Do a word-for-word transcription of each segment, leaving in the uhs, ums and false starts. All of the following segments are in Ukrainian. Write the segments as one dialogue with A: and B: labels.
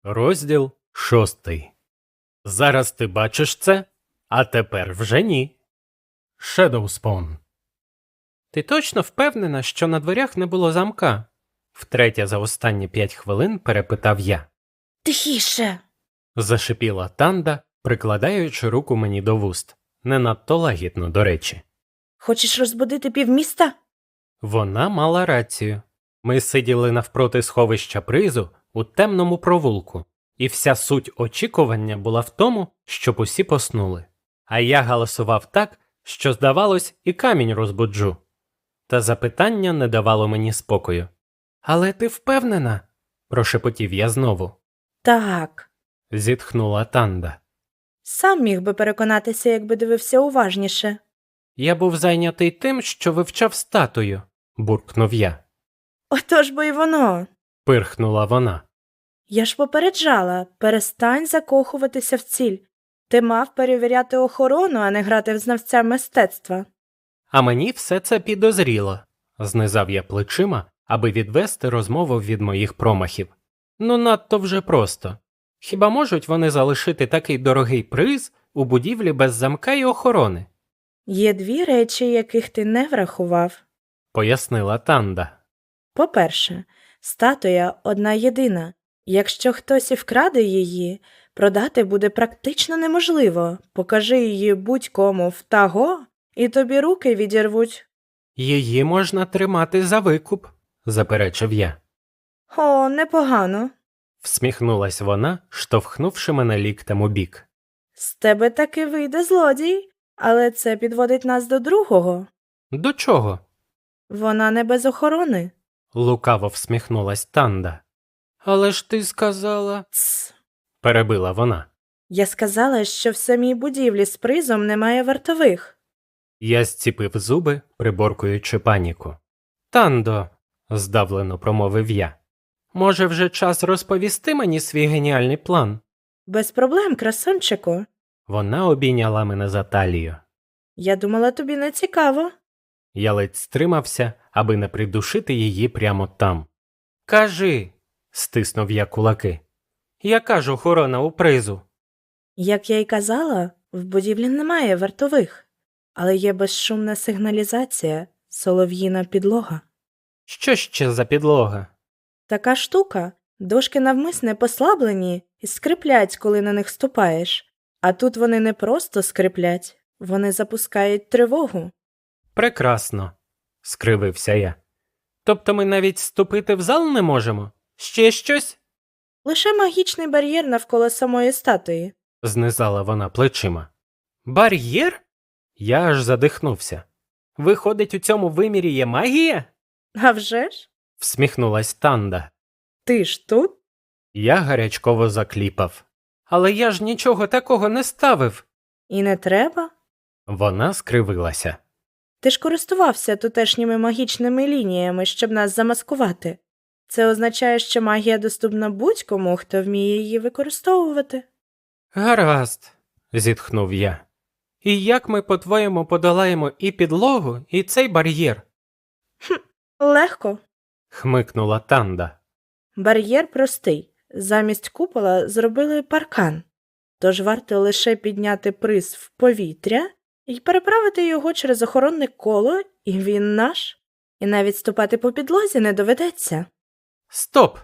A: Розділ шостий. Зараз ти бачиш це, а тепер вже ні. Shadowspawn. Ти точно впевнена, що на дверях не було замка? Втретє за останні п'ять хвилин перепитав я.
B: Тихіше.
A: Зашипіла Танда, прикладаючи руку мені до вуст. Не надто лагідно, до речі.
B: Хочеш розбудити півміста?
A: Вона мала рацію. Ми сиділи навпроти сховища призу у темному провулку, і вся суть очікування була в тому, щоб усі поснули. А я галасував так, що, здавалось, і камінь розбуджу. Та запитання не давало мені спокою. «Але ти впевнена?» – прошепотів я знову.
B: Так.
A: Зітхнула Танда.
B: Сам міг би переконатися, якби дивився уважніше.
A: Я був зайнятий тим, що вивчав статую, буркнув я.
B: Отож бо й воно.
A: Пирхнула вона.
B: Я ж попереджала, перестань закохуватися в ціль. Ти мав перевіряти охорону, а не грати в знавця мистецтва.
A: А мені все це підозріло. Знизав я плечима, аби відвести розмову від моїх промахів. Ну надто вже просто. Хіба можуть вони залишити такий дорогий приз у будівлі без замка й охорони?
B: Є дві речі, яких ти не врахував.
A: Пояснила Танда.
B: По-перше, статуя одна єдина. Якщо хтось і вкраде її, продати буде практично неможливо. Покажи її будь-кому в таго, і тобі руки відірвуть.
A: Її можна тримати за викуп, заперечив я.
B: О, непогано.
A: Всміхнулась вона, штовхнувши мене ліктем у бік.
B: З тебе таки вийде злодій, але це підводить нас до другого.
A: До чого?
B: Вона не без охорони.
A: Лукаво всміхнулась Танда. Але ж ти сказала...
B: Тс.
A: Перебила вона.
B: Я сказала, що в самій будівлі з призом немає вартових.
A: Я зціпив зуби, приборкуючи паніку. Тандо, здавлено промовив я. Може, вже час розповісти мені свій геніальний план?
B: Без проблем, красунчику.
A: Вона обійняла мене за талію.
B: Я думала, тобі не цікаво.
A: Я ледь стримався, аби не придушити її прямо там. Кажи, стиснув я кулаки. Яка ж охорона у призу?
B: Як я й казала, в будівлі немає вартових, але є безшумна сигналізація, солов'їна підлога.
A: Що ще за підлога?
B: Така штука, дошки навмисне послаблені і скриплять, коли на них ступаєш. А тут вони не просто скриплять, вони запускають тривогу.
A: Прекрасно, скривився я. Тобто ми навіть ступити в зал не можемо? Ще щось?
B: Лише магічний бар'єр навколо самої статуї.
A: Знизала вона плечима. Бар'єр? Я аж задихнувся. Виходить, у цьому вимірі є магія?
B: А вже ж?
A: Всміхнулась Танда.
B: Ти ж тут?
A: Я гарячково закліпав. Але я ж нічого такого не ставив.
B: І не треба?
A: Вона скривилася.
B: Ти ж користувався тутешніми магічними лініями, щоб нас замаскувати. Це означає, що магія доступна будь-кому, хто вміє її використовувати.
A: Гаразд, зітхнув я. І як ми, по-твоєму, подолаємо і підлогу, і цей бар'єр?
B: Хм, легко.
A: Хмикнула Танда.
B: Бар'єр простий. Замість купола зробили паркан. Тож варто лише підняти приз в повітря і переправити його через охоронне коло, і він наш. І навіть ступати по підлозі не доведеться.
A: Стоп!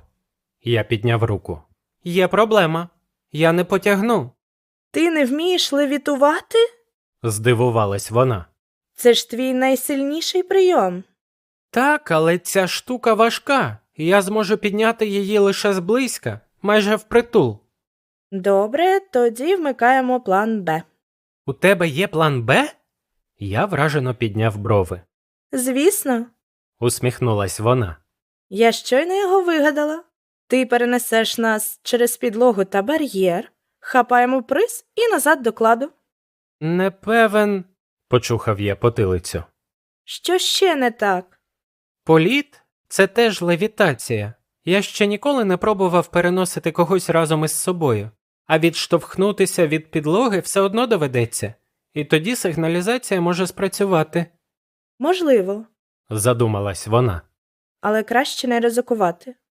A: Я підняв руку. Є проблема. Я не потягну.
B: Ти не вмієш левітувати?
A: Здивувалась вона.
B: Це ж твій найсильніший прийом.
A: Так, але ця штука важка. І я зможу підняти її лише зблизька, майже впритул.
B: Добре, тоді вмикаємо план Б.
A: У тебе є план Б? Я вражено підняв брови.
B: Звісно.
A: Усміхнулась вона.
B: Я щойно його вигадала. Ти перенесеш нас через підлогу та бар'єр, хапаємо приз і назад до кладу.
A: Не певен, почухав я потилицю.
B: Що ще не так?
A: Політ – це теж левітація. Я ще ніколи не пробував переносити когось разом із собою. А відштовхнутися від підлоги все одно доведеться. І тоді сигналізація може спрацювати.
B: Можливо,
A: Задумалась вона.
B: але краще не ризикувати.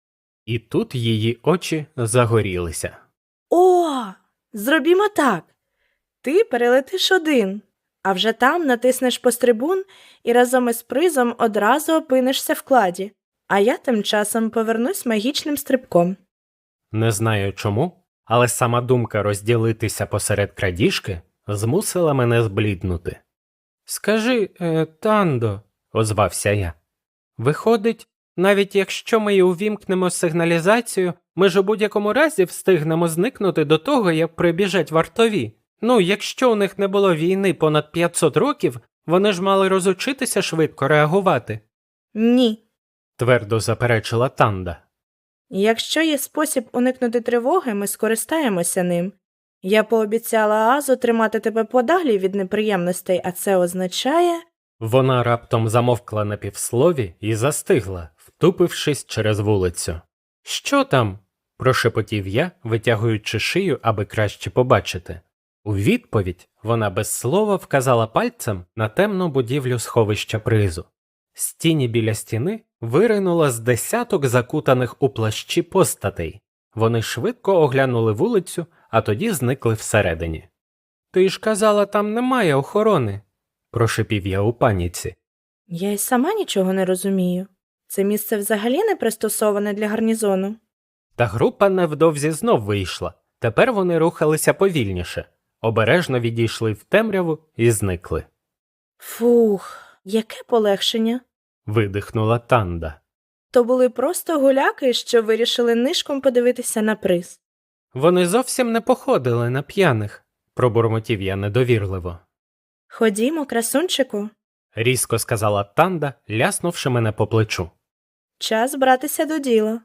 A: І тут її очі загорілися.
B: О, зробімо так. Ти перелетиш один, а вже там натиснеш пострибун і разом із призом одразу опинишся в кладі, а я тим часом повернусь магічним стрибком.
A: Не знаю чому, але сама думка розділитися посеред крадіжки змусила мене збліднути. «Скажи, е, Тандо», – озвався я, – «виходить, навіть якщо ми й увімкнемо сигналізацію, ми ж у будь-якому разі встигнемо зникнути до того, як прибіжать вартові. Ну, якщо у них не було війни понад п'ятсот років, вони ж мали розучитися швидко реагувати», –
B: Ні.
A: твердо заперечила Танда.
B: Якщо є спосіб уникнути тривоги, ми скористаємося ним. Я пообіцяла Азу тримати тебе подалі від неприємностей, а це означає…
A: Вона раптом замовкла на півслові і застигла, втупившись через вулицю. «Що там?» – прошепотів я, витягуючи шию, аби краще побачити. У відповідь вона без слова вказала пальцем на темну будівлю сховища призу. З тіні біля стіни виринуло з десяток закутаних у плащі постатей. Вони швидко оглянули вулицю, а тоді зникли всередині. «Ти ж казала, там немає охорони», – прошепів я у паніці.
B: Я й сама нічого не розумію. Це місце взагалі не пристосоване для гарнізону.
A: Та група невдовзі знов вийшла. Тепер вони рухалися повільніше. Обережно відійшли в темряву і зникли.
B: Фух, яке полегшення.
A: Видихнула Танда.
B: То були просто гуляки, що вирішили нишком подивитися на приз.
A: Вони зовсім не походили на п'яних, пробурмотів я недовірливо.
B: Ходімо, красунчику.
A: Різко сказала Танда, ляснувши мене по плечу.
B: Час братися до діла.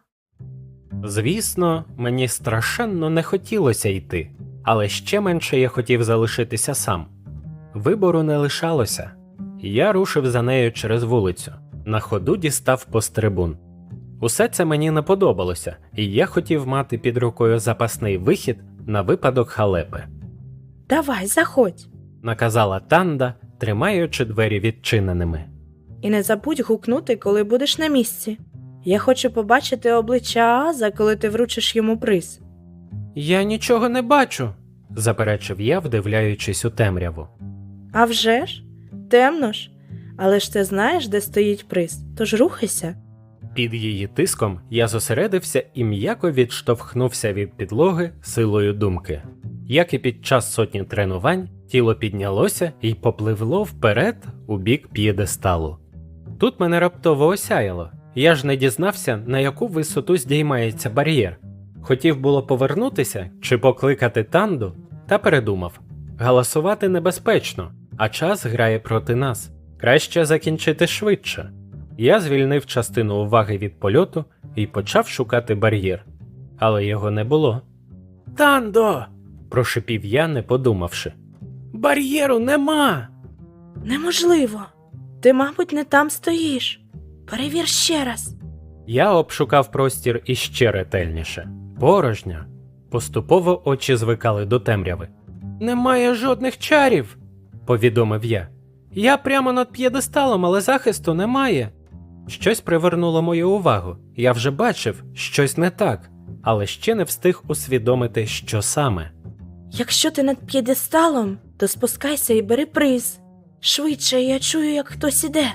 A: Звісно, мені страшенно не хотілося йти, але ще менше я хотів залишитися сам. Вибору не лишалося. Я рушив за нею через вулицю. На ходу дістав пострибун. Усе це мені не подобалося, і я хотів мати під рукою запасний вихід на випадок халепи.
B: Давай, заходь.
A: Наказала Танда, тримаючи двері відчиненими.
B: І не забудь гукнути, коли будеш на місці. Я хочу побачити обличчя Ааза, коли ти вручиш йому приз.
A: Я нічого не бачу, заперечив я, вдивляючись у темряву.
B: А вже ж? Темно ж. Але ж ти знаєш, де стоїть приз, тож рухайся.
A: Під її тиском я зосередився і м'яко відштовхнувся від підлоги силою думки. Як і під час сотні тренувань, тіло піднялося і попливло вперед у бік п'єдесталу. Тут мене раптово осяяло. Я ж не дізнався, на яку висоту здіймається бар'єр. Хотів було повернутися чи покликати Танду, та передумав. Галасувати небезпечно, а час грає проти нас. Краще закінчити швидше. Я звільнив частину уваги від польоту і почав шукати бар'єр. Але його не було. «Тандо!» – прошипів я, не подумавши. «Бар'єру нема!»
B: Неможливо. Ти, мабуть, не там стоїш. Перевір ще раз.
A: Я обшукав простір іще ретельніше. Порожньо. Поступово очі звикали до темряви. «Немає жодних чарів!» – повідомив я. «Я прямо над п'єдесталом, але захисту немає». Щось привернуло мою увагу. Я вже бачив, щось не так, але ще не встиг усвідомити, що саме.
B: Якщо ти над п'єдесталом, то спускайся і бери приз. Швидше, я чую, як хтось іде.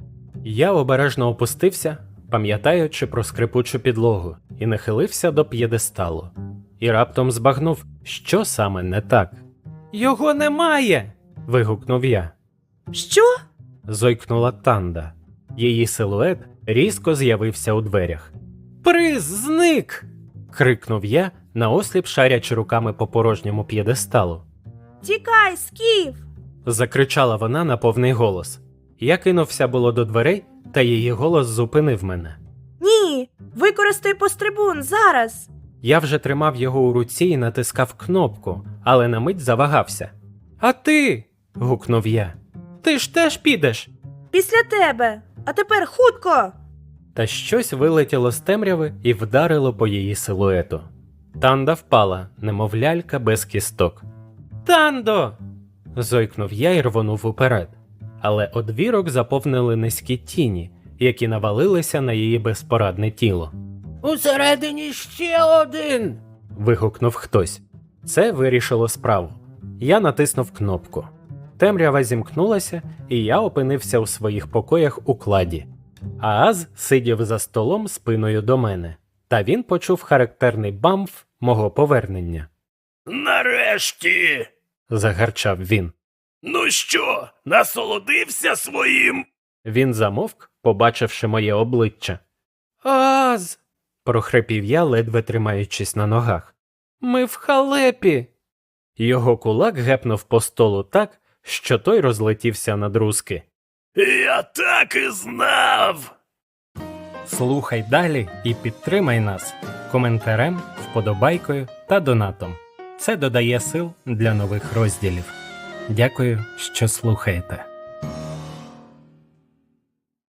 A: Я обережно опустився, пам'ятаючи про скрипучу підлогу, і нахилився до п'єдесталу. І раптом збагнув, що саме не так. «Його немає!» – вигукнув я.
B: Що?
A: – зойкнула Танда. Її силует різко з'явився у дверях. «Приз зник!» – крикнув я, наосліп шарячи руками по порожньому п'єдесталу.
B: Тікай, Скіф!
A: – закричала вона на повний голос. Я кинувся було до дверей, та її голос зупинив мене.
B: Ні! Використай пострибун, зараз!
A: Я вже тримав його у руці і натискав кнопку, але на мить завагався. «А ти?» – гукнув я. «Ти ж теж підеш?»
B: Після тебе! А тепер хутко!
A: Та щось вилетіло з темряви і вдарило по її силуету. Танда впала, немов лялька без кісток. «Тандо!» – зойкнув я і рвонув уперед. Але одвірок заповнили низькі тіні, які навалилися на її безпорадне тіло. Усередині ще один. Вигукнув хтось. Це вирішило справу. Я натиснув кнопку. Темрява зімкнулася, і я опинився у своїх покоях у кладі. Ааз сидів за столом спиною до мене, та він почув характерний бамф мого повернення.
C: Нарешті!
A: Загарчав він.
C: Ну що, насолодився своїм?
A: Він замовк, побачивши моє обличчя. Ааз! Прохрипів я, ледве тримаючись на ногах. Ми в халепі! Його кулак гепнув по столу так, що той розлетівся на друзки.
C: Я так і знав!
A: Слухай далі і підтримай нас коментарем, вподобайкою та донатом. Це додає сил для нових розділів. Дякую, що слухаєте.